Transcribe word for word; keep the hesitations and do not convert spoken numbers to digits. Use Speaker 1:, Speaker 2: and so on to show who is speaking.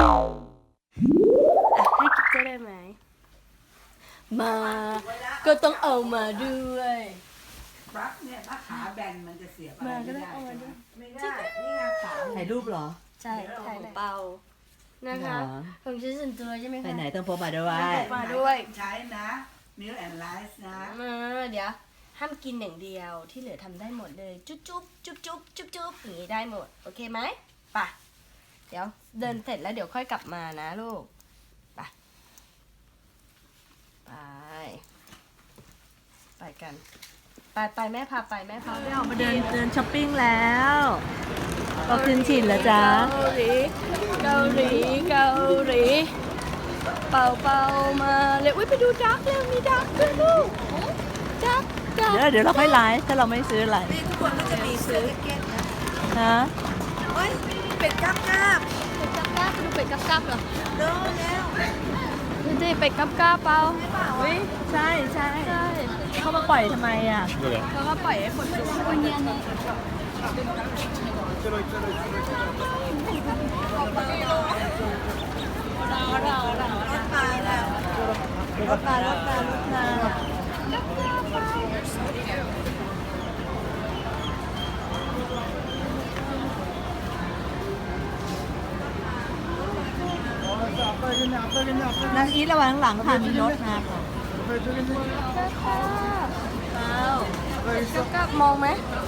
Speaker 1: ให้กิ๊กเจอได้ไหมมาก็ต้องเอามาด้วย
Speaker 2: ปลั๊กเนี่ยถ้าขาแบนมันจะเสียบอะไร
Speaker 1: มาก็
Speaker 2: ไม่
Speaker 1: ได้
Speaker 2: ได้
Speaker 1: เอามา
Speaker 2: ใช่ไหม
Speaker 1: ด้วย
Speaker 2: ไม่ได้ นี่ไงขา
Speaker 3: ถ่ายรูปเหรอ
Speaker 1: ใช่ถ่ายเปานะคะ
Speaker 3: เหรอ
Speaker 1: ของชิ้นส่วนตัวใช่ไหมคะ
Speaker 3: ไปไหนต้องพกมาด้วย
Speaker 1: มาด้วย
Speaker 2: ใช้นะมิลแอนไลซ์นะ
Speaker 1: มาเดี๋ยวห้ามกินอย่างเดียวที่เหลือทำได้หมดเลยจุ๊บจุ๊บจุ๊บจุ๊บจุ๊บจุ๊บอย่างนี้ได้หมดโอเคไหมไป่ะเดี๋ยวเดินเสร็จแล้วเดี๋ยวค่อยกลับมานะลูกไปไปไปกันไปไปแม่พาไปแม่พาไป
Speaker 3: ออกมาเดินเดินช้อปปิ้งแล้วก็ขึ้นถิ่นแล้วจ้า
Speaker 1: เกาหลีเกาหลีเกาหลีเป่าเป่ามาเลยอุ้ยไปดูดักแล้วมีดักด้วยลูกดักดัก
Speaker 3: เดี๋ยวเดี๋ยวเราค่อยไลฟ์ถ้าเราไม่ซื้ออะไร
Speaker 2: นี่ทุกคนก็จะมีซื้อแจ็คเก็ตนะ
Speaker 3: ฮะ
Speaker 2: เฮ้ยเป็ดกราบกราบ
Speaker 1: เป็ดกับกาบดูเป็ดกับกาบเหรอ
Speaker 2: เดินแล้ว
Speaker 1: ดูดิเป็ดกับกาบเปล่า
Speaker 3: วิใช่ใช่
Speaker 1: ใช่
Speaker 3: เขามาปล่อยทำไมอ่ะ
Speaker 1: เขาก็ปล่อยให้คนดูคนเนี้ยนะ
Speaker 2: รถมาแล้วรถมารถมารถมา
Speaker 3: นางอีทระวังหลังค่ะมีรถมาค่ะ
Speaker 1: เป็ดกับกาบมองไหม